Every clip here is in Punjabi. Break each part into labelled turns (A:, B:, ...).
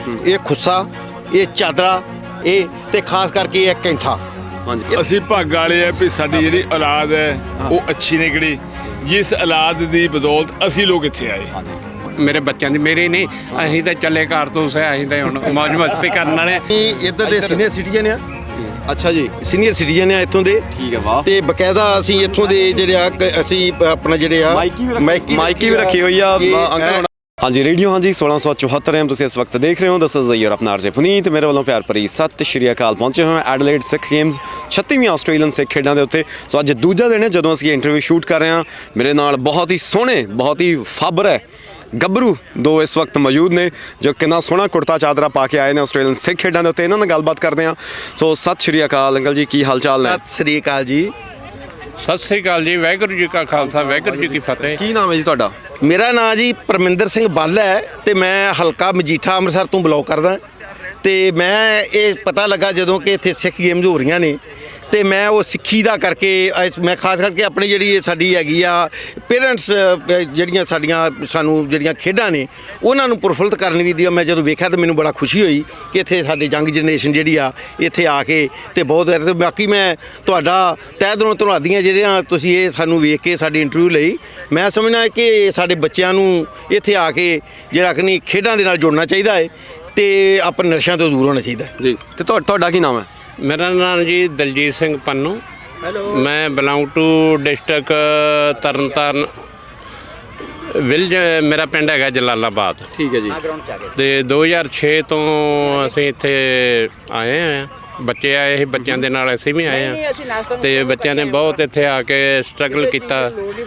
A: ਇਹ ਖੁੱਸਾ, ਇਹ ਚਾਦਰਾ, ਇਹ ਤੇ ਖਾਸ ਕਰਕੇ ਇਹ ਕੈਂਠਾ।
B: ਹਾਂਜੀ
C: ਅਸੀਂ ਭਾਗ ਵਾਲੇ ਆ ਵੀ ਸਾਡੀ ਜਿਹੜੀ ਔਲਾਦ ਹੈ ਉਹ ਅੱਛੀ ਨਿਕਲੀ, ਜਿਸ ਔਲਾਦ ਦੀ ਬਦੌਲਤ ਅਸੀਂ ਲੋਕ ਇੱਥੇ ਆਏ।
D: ਮੇਰੇ ਬੱਚਿਆਂ ਦੀ ਮੇਰੀ ਨਹੀਂ, ਅਸੀਂ ਤਾਂ ਚੱਲੇ ਕਾਰਤੂਸ ਹੈ, ਅਸੀਂ ਤਾਂ ਹੁਣ ਮੌਜ ਮਸਤੀ ਕਰਨ ਵਾਲੇ।
A: ਇੱਧਰ ਦੇ ਸੀਨੀਅਰ ਸਿਟੀਜ਼ਨ ਆ।
B: ਅੱਛਾ ਜੀ,
A: ਸੀਨੀਅਰ ਸਿਟੀਜ਼ਨ ਆ ਇੱਥੋਂ ਦੇ।
B: ਠੀਕ ਹੈ, ਵਾਹ।
A: ਤੇ ਬਕਾਇਦਾ ਅਸੀਂ ਇੱਥੋਂ ਦੇ ਜਿਹੜੇ ਆ ਅਸੀਂ ਆਪਣਾ ਜਿਹੜੇ ਆ
B: ਮਾਈਕੀ ਵੀ ਰੱਖੀ ਹੋਈ ਆ ਅੰਕਲ। ਹਾਂਜੀ ਰੇਡੀਓ ਹਾਂਜੀ 1674 ਐਮ ਤੁਸੀਂ ਇਸ ਵਕਤ ਦੇਖ ਰਹੇ ਹੋ। ਦਿਸ ਇਜ਼ ਯੂਰ ਆਪਣਾ ਆਰਜੇ ਪੁਨੀਤ। ਮੇਰੇ ਵੱਲੋਂ ਪਿਆਰ ਭਰੀ ਸਤਿ ਸ਼੍ਰੀ ਅਕਾਲ। ਪਹੁੰਚੇ ਹੋਏ ਐਡਲੇਡ ਸਿੱਖ ਗੇਮਸ 36ਵੀਂ ਆਸਟ੍ਰੇਲੀਅਨ ਸਿੱਖ ਖੇਡਾਂ ਦੇ ਉੱਤੇ। ਸੋ ਅੱਜ ਦੂਜਾ ਦਿਨ ਹੈ ਜਦੋਂ ਅਸੀਂ ਇੰਟਰਵਿਊ ਸ਼ੂਟ ਕਰ ਰਹੇ ਹਾਂ। ਮੇਰੇ ਨਾਲ ਬਹੁਤ ਹੀ ਸੋਹਣੇ, ਬਹੁਤ ਹੀ ਫਾਬਰ ਹੈ ਗੱਭਰੂ ਦੋ ਇਸ ਵਕਤ ਮੌਜੂਦ ਨੇ ਜੋ ਕਿੰਨਾ ਸੋਹਣਾ ਕੁੜਤਾ ਚਾਦਰਾ ਪਾ ਕੇ ਆਏ ਨੇ ਆਸਟ੍ਰੇਲੀਅਨ ਸਿੱਖ ਖੇਡਾਂ ਦੇ ਉੱਤੇ। ਇਹਨਾਂ ਨਾਲ ਗੱਲਬਾਤ ਕਰਦੇ ਹਾਂ। ਸੋ ਸਤਿ ਸ਼੍ਰੀ ਅਕਾਲ ਅੰਕਲ ਜੀ, ਕੀ ਹਾਲ ਚਾਲ ਨੇ?
A: ਸਤਿ ਸ੍ਰੀ ਅਕਾਲ ਜੀ।
D: ਸਤਿ ਸ੍ਰੀ ਅਕਾਲ ਜੀ। ਵਾਹਿਗੁਰੂ ਜੀ ਕਾ ਖਾਲਸਾ, ਵਾਹਿਗੁਰੂ ਜੀ ਕੀ ਫਤਿਹ।
B: ਕੀ ਨਾਮ ਹੈ ਜੀ ਤੁਹਾਡਾ?
A: ਮੇਰਾ ਨਾਂ ਜੀ ਪਰਮਿੰਦਰ ਸਿੰਘ ਬੱਲ ਹੈ ਤੇ ਮੈਂ ਹਲਕਾ ਮਜੀਠਾ ਅੰਮ੍ਰਿਤਸਰ ਤੋਂ ਬਿਲੋਂਗ ਕਰਦਾ। ਤੇ ਮੈਂ ਇਹ ਪਤਾ ਲੱਗਾ ਜਦੋਂ ਕਿ ਇੱਥੇ ਸਿੱਖ ਗੇਮਜ਼ ਹੋ ਰਹੀਆਂ ਨੇ ਤੇ ਮੈਂ ਉਹ ਸਿੱਖੀ ਦਾ ਕਰਕੇ ਮੈਂ ਖਾਸ ਕਰਕੇ ਆਪਣੀ ਜਿਹੜੀ ਇਹ ਸਾਡੀ ਹੈਗੀ ਆ ਪੇਰੈਂਟਸ ਜਿਹੜੀਆਂ ਸਾਨੂੰ ਜਿਹੜੀਆਂ ਖੇਡਾਂ ਨੇ ਉਹਨਾਂ ਨੂੰ ਪ੍ਰਫੁੱਲਤ ਕਰਨ ਵੀ ਦੀ ਮੈਂ ਜਦੋਂ ਵੇਖਿਆ ਤਾਂ ਮੈਨੂੰ ਬੜਾ ਖੁਸ਼ੀ ਹੋਈ ਕਿ ਇੱਥੇ ਸਾਡੇ ਯੰਗ ਜਨਰੇਸ਼ਨ ਜਿਹੜੀ ਆ ਇੱਥੇ ਆ ਕੇ ਤੇ ਬਹੁਤ ਤੇ ਬਾਕੀ ਮੈਂ ਤੁਹਾਡਾ ਤਹਿ ਦਿਲੋਂ ਧੰਨਵਾਦੀ ਹਾਂ ਜਿਹੜੀਆਂ ਤੁਸੀਂ ਇਹ ਸਾਨੂੰ ਵੇਖ ਕੇ ਸਾਡੀ ਇੰਟਰਵਿਊ ਲਈ। ਮੈਂ ਸਮਝਦਾ ਕਿ ਸਾਡੇ ਬੱਚਿਆਂ ਨੂੰ ਇੱਥੇ ਆ ਕੇ ਜਿਹੜਾ ਕਿ ਨਹੀਂ ਖੇਡਾਂ ਦੇ ਨਾਲ ਜੁੜਨਾ ਚਾਹੀਦਾ ਹੈ ਤੇ ਆਪਣੇ ਨਸ਼ਿਆਂ ਤੋਂ ਦੂਰ ਹੋਣਾ ਚਾਹੀਦਾ
B: ਜੀ। ਤੇ ਤੁਹਾਡਾ ਕੀ ਨਾਮ ਹੈ?
D: ਮੇਰਾ ਨਾਮ ਜੀ ਦਲਜੀਤ ਸਿੰਘ ਪੰਨੂ। ਮੈਂ belong to district Tarn Taran village. ਮੇਰਾ ਪਿੰਡ ਹੈਗਾ ਜਲਾਲਾਬਾਦ।
B: ਠੀਕ ਹੈ ਜੀ।
D: ਤੇ 2006 ਤੋਂ ਅਸੀਂ ਇੱਥੇ ਆਏ ਹਾਂ। ਬੱਚੇ ਆਏ ਸੀ, ਬੱਚਿਆਂ ਦੇ ਨਾਲ ਅਸੀਂ ਵੀ ਆਏ ਹਾਂ ਤੇ ਬੱਚਿਆਂ ਨੇ ਬਹੁਤ ਇੱਥੇ ਆ ਕੇ ਸਟਰਗਲ ਕੀਤਾ।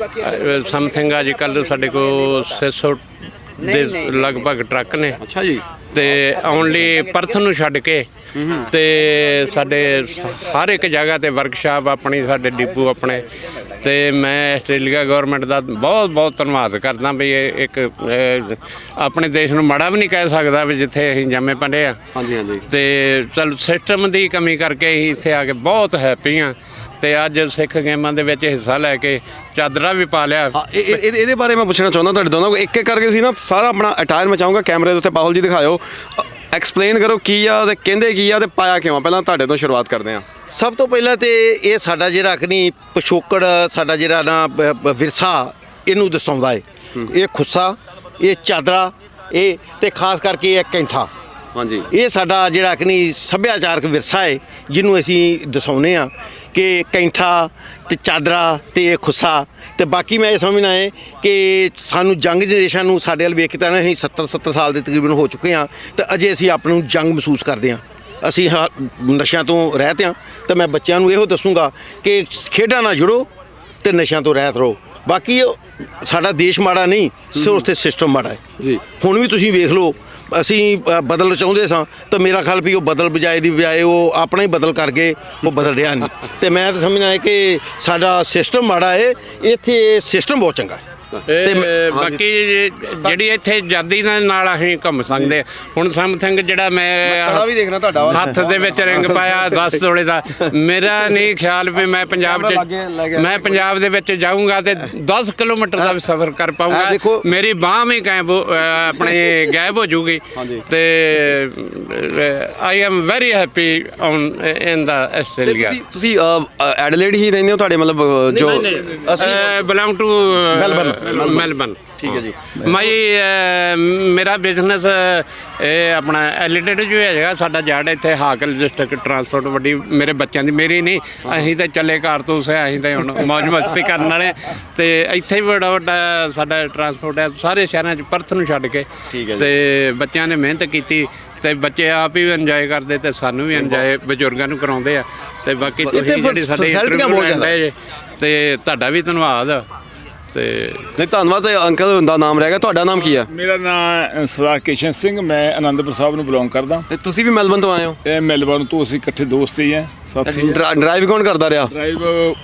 D: ਸਮਥਿੰਗ ਅੱਜ ਕੱਲ੍ਹ ਸਾਡੇ ਕੋਲ 600 ਦੇ ਲਗਭਗ ਟਰੱਕ ਨੇ।
B: ਅੱਛਾ ਜੀ।
D: ਤੇ ਓਨਲੀ ਪਰਥ ਨੂੰ ਛੱਡ ਕੇ ਤੇ ਸਾਡੇ ਹਰ ਇੱਕ ਜਗ੍ਹਾ ਤੇ ਵਰਕਸ਼ਾਪ ਆਪਣੀ, ਸਾਡੇ ਡਿਪੂ ਆਪਣੇ। ਤੇ ਮੈਂ ਆਸਟ੍ਰੇਲੀਆ ਗਵਰਨਮੈਂਟ ਦਾ ਬਹੁਤ ਬਹੁਤ ਧੰਨਵਾਦ ਕਰਦਾ ਵੀ ਇਹ ਇੱਕ ਆਪਣੇ ਦੇਸ਼ ਨੂੰ ਮਾੜਾ ਵੀ ਨਹੀਂ ਕਹਿ ਸਕਦਾ ਵੀ ਜਿੱਥੇ ਅਸੀਂ ਜੰਮੇ ਪਲੇ ਆ।
B: ਹਾਂਜੀ ਹਾਂਜੀ।
D: ਤੇ ਚਲ ਸਿਸਟਮ ਦੀ ਕਮੀ ਕਰਕੇ ਅਸੀਂ ਇੱਥੇ ਆ ਕੇ ਬਹੁਤ ਹੈਪੀ ਹਾਂ। ਤੇ ਅੱਜ ਸਿੱਖ ਗੇਮਾਂ ਦੇ ਵਿੱਚ ਹਿੱਸਾ ਲੈ ਕੇ ਚਾਦਰਾ ਵੀ ਪਾ ਲਿਆ।
B: ਇਹਦੇ ਬਾਰੇ ਮੈਂ ਪੁੱਛਣਾ ਚਾਹੁੰਦਾ ਤੁਹਾਡੇ ਦੋਨਾਂ ਕੋਲ। ਇੱਕ ਇੱਕ ਕਰਕੇ ਸੀ ਨਾ ਸਾਰਾ ਆਪਣਾ ਅਟਾਇਰ ਮੈਂ ਚਾਹੂੰਗਾ ਕੈਮਰੇ ਦੇ ਉੱਤੇ ਪਾਹੁਲ ਜੀ ਦਿਖਾਇਓ। ਐਕਸਪਲੇਨ ਕਰੋ ਕੀ ਆ ਤੇ ਕਹਿੰਦੇ ਕੀ ਆ ਤੇ ਪਾਇਆ ਕਿਉਂ। ਪਹਿਲਾਂ ਤੁਹਾਡੇ ਤੋਂ ਸ਼ੁਰੂਆਤ ਕਰਦੇ ਹਾਂ।
A: ਸਭ ਤੋਂ ਪਹਿਲਾਂ ਤੇ ਇਹ ਸਾਡਾ ਜਿਹੜਾ ਕਿ ਨਹੀਂ ਪਿਛੋਕੜ ਸਾਡਾ ਜਿਹੜਾ ਨਾ ਵਿਰਸਾ ਇਹਨੂੰ ਦਰਸਾਉਂਦਾ ਹੈ। ਇਹ ਖੁੱਸਾ, ਇਹ ਚਾਦਰਾ, ਇਹ ਤੇ ਖਾਸ ਕਰਕੇ ਇਹ ਕੈਂਠਾ।
B: ਹਾਂਜੀ। ਇਹ
A: ਸਾਡਾ ਜਿਹੜਾ ਕਿ ਨਹੀਂ ਸੱਭਿਆਚਾਰਕ ਵਿਰਸਾ ਹੈ ਜਿਹਨੂੰ ਅਸੀਂ ਦਰਸਾਉਂਦੇ ਹਾਂ ਕਿ ਕੈਂਠਾ ਤੇ ਚਾਦਰਾ ਤੇ ਇਹ ਖੁੱਸਾ। ਤੇ ਬਾਕੀ ਮੈਂ ਇਹ ਸਮਝਣਾ ਹੈ ਕਿ ਸਾਨੂੰ ਯੰਗ ਜਨਰੇਸ਼ਨ ਨੂੰ ਸਾਡੇ ਵੱਲ ਵੇਖ ਕੇ ਤਾਂ ਅਸੀਂ 70 ਸਾਲ ਦੇ ਤਕਰੀਬਨ ਹੋ ਚੁੱਕੇ ਹਾਂ ਤੇ ਅਜੇ ਅਸੀਂ ਆਪਣੇ ਨੂੰ ਯੰਗ ਮਹਿਸੂਸ ਕਰਦੇ ਹਾਂ। ਅਸੀਂ ਨਸ਼ਿਆਂ ਤੋਂ ਰਹਿਤ ਹਾਂ ਤੇ ਮੈਂ ਬੱਚਿਆਂ ਨੂੰ ਇਹੋ ਦੱਸੂੰਗਾ ਕਿ ਖੇਡਾਂ ਨਾਲ ਜੁੜੋ ਤੇ ਨਸ਼ਿਆਂ ਤੋਂ ਰਹਿਤ ਰਹੋ। ਬਾਕੀ ਸਾਡਾ ਦੇਸ਼ ਮਾੜਾ ਨਹੀਂ, ਸਿਰਫ ਉੱਥੇ ਸਿਸਟਮ ਮਾੜਾ ਹੈ
B: ਜੀ।
A: ਹੁਣ ਵੀ ਤੁਸੀਂ ਵੇਖ ਲਓ ਅਸੀਂ ਬਦਲ ਚਾਹੁੰਦੇ ਸਾਂ ਤਾਂ ਮੇਰਾ ਖਿਆਲ ਵੀ ਉਹ ਬਦਲ ਬਜਾਏ ਉਹ ਆਪਣਾ ਹੀ ਬਦਲ ਕਰ ਗਏ, ਉਹ ਬਦਲ ਰਿਹਾ ਨਹੀਂ। ਤੇ ਮੈਂ ਤਾਂ ਸਮਝਦਾ ਹੈ ਕਿ ਸਾਡਾ ਸਿਸਟਮ ਮਾੜਾ ਹੈ, ਇੱਥੇ ਸਿਸਟਮ ਬਹੁਤ ਚੰਗਾ ਹੈ।
D: ਤੇ ਬਾਕੀ ਜਿਹੜੀ ਇੱਥੇ ਆਜ਼ਾਦੀ ਦੇ ਨਾਲ ਅਸੀਂ ਘੁੰਮ ਸਕਦੇ। ਹੁਣ ਸਮਥਿੰਗ ਜਿਹੜਾ ਮੈਂ
B: ਵੀ ਦੇਖਣਾ ਤੁਹਾਡਾ
D: ਹੱਥ ਦੇ ਵਿੱਚ ਰਿੰਗ ਪਾਇਆ 10 ਤੋਲੇ ਦਾ, ਮੇਰਾ ਨਹੀਂ ਖਿਆਲ ਵੀ ਮੈਂ ਪੰਜਾਬ ਦੇ ਵਿੱਚ ਜਾਊਂਗਾ ਤੇ 10 ਕਿਲੋਮੀਟਰ ਦਾ ਵੀ ਸਫ਼ਰ ਕਰ ਪਾਊਂਗਾ। ਮੇਰੀ ਬਾਂਹ ਵੀ ਆਪਣੀ ਗਾਇਬ ਹੋ ਜੂਗੀ। ਤੇ I am very happy in the Australia.
B: ਤੁਸੀਂ ਐਡਲੇਡ ਹੀ ਰਹਿੰਦੇ ਹੋ? ਤੁਹਾਡੇ ਮਤਲਬ ਜੋ
D: ਅਸੀਂ ਬਿਲੋਂਗ ਟੂ ਮੈਲਬਨ।
B: ਠੀਕ ਹੈ ਜੀ।
D: ਮੇਰਾ ਬਿਜ਼ਨਸ ਇਹ ਆਪਣਾ ਐਲੀਟੇਡ ਜੋ ਹੈਗਾ ਸਾਡਾ ਜੜ ਇੱਥੇ ਹਾਕਲ ਡਿਸਟ੍ਰਿਕਟ ਟਰਾਂਸਪੋਰਟ ਵੱਡੀ। ਮੇਰੇ ਬੱਚਿਆਂ ਦੀ ਮੇਰੀ ਨਹੀਂ, ਅਸੀਂ ਤਾਂ ਚੱਲੇ ਕਾਰਤੂਸ ਹੈ, ਅਸੀਂ ਤਾਂ ਹੁਣ ਮੌਜ ਮਸਤੀ ਕਰਨ ਵਾਲੇ। ਤੇ ਇੱਥੇ ਵੀ ਬੜਾ ਵੱਡਾ ਸਾਡਾ ਟਰਾਂਸਪੋਰਟ ਹੈ ਸਾਰੇ ਸ਼ਹਿਰਾਂ 'ਚ ਪਰਥ ਨੂੰ ਛੱਡ ਕੇ। ਤੇ ਬੱਚਿਆਂ ਨੇ ਮਿਹਨਤ ਕੀਤੀ ਤੇ ਬੱਚੇ ਆਪ ਹੀ ਇੰਜੋਏ ਕਰਦੇ ਤੇ ਸਾਨੂੰ ਵੀ ਇੰਜੋਏ ਬਜ਼ੁਰਗਾਂ ਨੂੰ ਕਰਾਉਂਦੇ ਆ। ਤੇ ਬਾਕੀ ਤੁਸੀਂ ਜਿਹੜੀ ਸਾਡੇ ਤੇ ਤੁਹਾਡਾ ਵੀ ਧੰਨਵਾਦ। ਤੇ
B: ਨਹੀਂ ਧੰਨਵਾਦ। ਅੰਕਲ ਦਾ ਨਾਮ ਰਹਿ ਗਿਆ, ਤੁਹਾਡਾ ਨਾਮ ਕੀ ਹੈ?
C: ਮੇਰਾ ਨਾਮ ਸਰਦਾਰ ਕਿਸ਼ਨ ਸਿੰਘ, ਮੈਂ ਅਨੰਦਪੁਰ ਸਾਹਿਬ ਨੂੰ ਬਿਲੋਂਗ ਕਰਦਾ।
B: ਤੇ ਤੁਸੀਂ ਵੀ ਮੈਲਬਨ ਤੋਂ ਆਏ ਹੋ? ਇਹ
C: ਮੈਲਬਨ ਤੋਂ ਅਸੀਂ ਇਕੱਠੇ ਦੋਸਤ ਹੀ ਹੈ, ਸਾਥੀ।
B: ਡਰਾਈਵ ਕੌਣ ਕਰਦਾ ਰਿਹਾ?
C: ਡਰਾਈਵ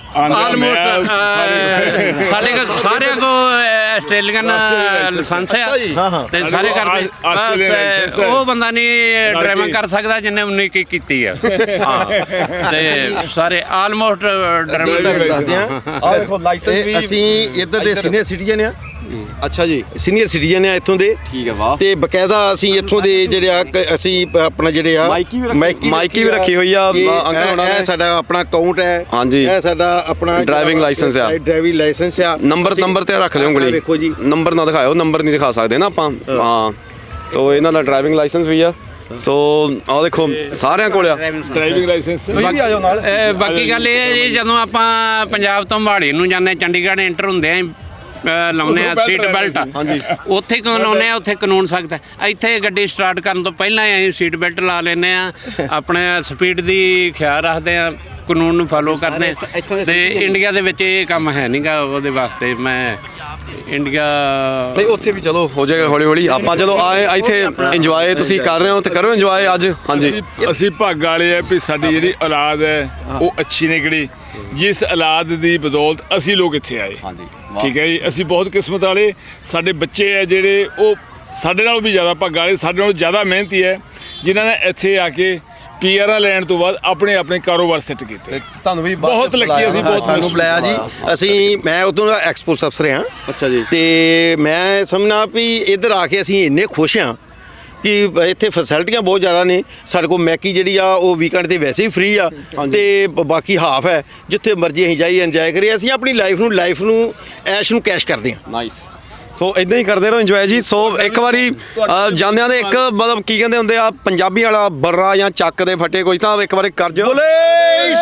D: ਸਾਡੇ ਕੋਲ ਸਾਰਿਆਂ ਕੋ ਆਸਟ੍ਰੇਲੀਅਨ ਲਾਇਸੈਂਸ ਹੈ ਤੇ ਸਾਰੇ ਕਰਦੇ। ਉਹ ਬੰਦਾ ਨਹੀਂ ਡਰਾਈਵਿੰਗ ਕਰ ਸਕਦਾ ਜਿਹਨੇ 19 ਕੀਤੀ ਆ। ਤੇ ਸਾਰੇ ਆਲਮੋਸਟ ਡਰਾਈਵਿੰਗ
A: ਅਸੀਂ ਇੱਧਰ ਦੇ ਸੀਨੀਅਰ ਸਿਟੀਜ਼ਨ ਆ।
B: ਅੱਛਾ ਜੀ,
A: ਸੀਨੀਅਰ ਸਿਟੀਜ਼ਨ ਆ ਇੱਥੋਂ ਦੇ।
B: ਠੀਕ ਹੈ, ਵਾਹ।
A: ਤੇ ਬਕਾਇਦਾ ਅਸੀਂ ਇੱਥੋਂ ਦੇ ਜਿਹੜੇ ਆ ਅਸੀਂ ਆਪਣਾ ਜਿਹੜੇ ਆ
B: ਮਾਈਕੀ ਵੀ ਰੱਖੀ ਹੋਈ ਆ ਅੰਕਲ ਹੋਣਾ ਨੇ।
A: ਇਹ ਸਾਡਾ ਆਪਣਾ ਅਕਾਊਂਟ ਹੈ।
B: ਹਾਂਜੀ।
A: ਇਹ ਸਾਡਾ ਆਪਣਾ
B: ਡਰਾਈਵਿੰਗ ਲਾਇਸੈਂਸ ਆ।
A: ਡਰਾਈਵਿੰਗ ਲਾਇਸੈਂਸ ਆ।
B: ਨੰਬਰ ਤੇ ਰੱਖ ਲਿਓ ਉਂਗਲੀ।
A: ਵੇਖੋ ਜੀ,
B: ਨੰਬਰ ਨਾ ਦਿਖਾਓ, ਨੰਬਰ ਨਹੀਂ ਦਿਖਾ ਸਕਦੇ ਨਾ ਆਪਾਂ। ਹਾਂ, ਤੋ ਇਹਨਾਂ ਦਾ ਡਰਾਈਵਿੰਗ ਲਾਇਸੈਂਸ ਵੀ ਆ। ਸੋ ਆਹ ਦੇਖੋ ਸਾਰਿਆਂ ਕੋਲ ਆ
C: ਡਰਾਈਵਿੰਗ ਲਾਇਸੈਂਸ।
B: ਤੁਸੀਂ ਵੀ ਆ ਜਾਓ ਨਾਲ।
D: ਬਾਕੀ ਗੱਲ ਇਹ ਹੈ ਜੀ, ਜਦੋਂ ਆਪਾਂ ਪੰਜਾਬ ਤੋਂ ਮੋਹਾਲੀ ਨੂੰ ਜਾਂਦੇ, ਚੰਡੀਗੜ੍ਹ ਐਂਟਰ ਹੁੰਦੇ ਆ, ਲਾਉਂਦੇ ਆ ਸੀਟ ਬੈਲਟ।
B: ਹਾਂਜੀ।
D: ਉੱਥੇ ਕਿਉਂ ਲਾਉਂਦੇ ਆ? ਉੱਥੇ ਕਾਨੂੰਨ ਸਖਤ ਹੈ। ਇੱਥੇ ਗੱਡੀ ਸਟਾਰਟ ਕਰਨ ਤੋਂ ਪਹਿਲਾਂ ਹੀ ਅਸੀਂ ਸੀਟ ਬੈਲਟ ਲਾ ਲੈਂਦੇ ਆ, ਆਪਣੇ ਸਪੀਡ ਦੀ ਖਿਆਲ ਰੱਖਦੇ ਆ, ਕਾਨੂੰਨ ਨੂੰ ਫੋਲੋ ਕਰਦੇ ਆ। ਤੇ ਇੰਡੀਆ ਦੇ ਵਿੱਚ ਇਹ ਕੰਮ ਹੈ ਨਹੀਂਗਾ, ਉਹਦੇ ਵਾਸਤੇ ਮੈਂ ਇੰਡੀਆ
B: ਨਹੀਂ, ਉੱਥੇ ਵੀ ਚਲੋ ਹੋ ਜਾਏਗਾ ਹੌਲੀ ਹੌਲੀ। ਆਪਾਂ ਚਲੋ ਆਏ ਇੱਥੇ ਇੰਜੋਏ ਤੁਸੀਂ ਕਰ ਰਹੇ ਹੋ ਤੇ ਕਰੋ ਇੰਜੋਏ ਅੱਜ। ਹਾਂਜੀ,
C: ਅਸੀਂ ਭਾਗ ਵਾਲੇ ਆ ਵੀ ਸਾਡੀ ਜਿਹੜੀ ਔਲਾਦ ਹੈ ਉਹ ਅੱਛੀ ਨਿਕਲੀ, ਜਿਸ ਔਲਾਦ ਦੀ ਬਦੌਲਤ ਅਸੀਂ ਲੋਕ ਇੱਥੇ ਆਏ।
B: ਹਾਂਜੀ,
C: ਠੀਕ ਹੈ ਜੀ, ਅਸੀਂ ਬਹੁਤ ਕਿਸਮਤ ਵਾਲੇ। ਸਾਡੇ ਬੱਚੇ ਆ ਜਿਹੜੇ ਉਹ ਸਾਡੇ ਨਾਲੋਂ ਵੀ ਜ਼ਿਆਦਾ ਭਾਗਾਂ ਵਾਲੇ, ਸਾਡੇ ਨਾਲੋਂ ਜ਼ਿਆਦਾ ਮਿਹਨਤੀ ਹੈ, ਜਿਨ੍ਹਾਂ ਨੇ ਇੱਥੇ ਆ ਕੇ ਪੀਆਰਾਂ ਲੈਣ ਤੋਂ ਬਾਅਦ ਆਪਣੇ ਆਪਣੇ ਕਾਰੋਬਾਰ ਸੈੱਟ ਕੀਤੇ।
B: ਤੁਹਾਨੂੰ ਵੀ
C: ਬਹੁਤ ਲੱਕੀ, ਅਸੀਂ ਬਹੁਤ
A: ਸਾਨੂੰ ਬੁਲਾਇਆ ਜੀ। ਮੈਂ ਉਦੋਂ ਦਾ ਐਕਸਪੋਰਟ ਅਫਸਰ ਹਾਂ।
B: ਅੱਛਾ ਜੀ।
A: ਤੇ ਮੈਂ ਸਮਝਣਾ ਵੀ ਇੱਧਰ ਆ ਕੇ ਅਸੀਂ ਇੰਨੇ ਖੁਸ਼ ਹਾਂ ਕਿ ਇੱਥੇ ਫੈਸਿਲਿਟੀਆਂ ਬਹੁਤ ਜ਼ਿਆਦਾ ਨੇ। ਸਾਡੇ ਕੋਲ ਮੈਕੀ ਜਿਹੜੀ ਆ ਉਹ ਵੀਕਐਂਡ ਤੇ ਵੈਸੇ ਹੀ ਫ੍ਰੀ ਆ, ਤੇ ਬਾਕੀ ਹਾਫ ਹੈ। ਜਿੱਥੇ ਮਰਜ਼ੀ ਅਸੀਂ ਜਾਈਏ ਇੰਜੋਏ ਕਰੀਏ। ਅਸੀਂ ਆਪਣੀ ਲਾਈਫ ਨੂੰ ਐਸ਼ ਨੂੰ ਕੈਸ਼ ਕਰਦੇ ਹਾਂ।
B: ਨਾਈਸ। ਸੋ ਇਦਾਂ ਹੀ ਕਰਦੇ ਰਹੋ ਇੰਜੋਏ ਜੀ। ਸੋ ਇੱਕ ਵਾਰੀ ਜਾਂਦਿਆਂ ਦੇ ਇੱਕ ਮਤਲਬ ਕੀ ਕਹਿੰਦੇ ਹੁੰਦੇ ਆ ਪੰਜਾਬੀ ਵਾਲਾ ਬਰਰਾ ਜਾਂ ਚੱਕ ਦੇ ਫੱਟੇ ਕੁਝ ਤਾਂ ਇੱਕ ਵਾਰੀ ਕਰ ਜਾਓ।
A: ਬੋਲੇ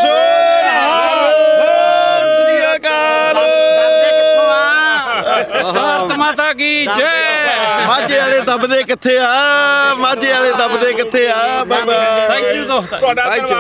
A: ਸ੍ਰੀ ਅਕਾਲ।
D: ਭਾਰਤ ਮਾਤਾ ਕੀ ਜੈ।
A: ਮਾਝੇ ਵਾਲੇ ਦੱਬਦੇ ਕਿੱਥੇ ਆ? ਮਾਝੇ ਵਾਲੇ ਦੱਬਦੇ ਕਿੱਥੇ ਆ? Bye bye.
D: ਥੈਂਕ ਯੂ ਦੋਸਤ।
C: ਤੁਹਾਡਾ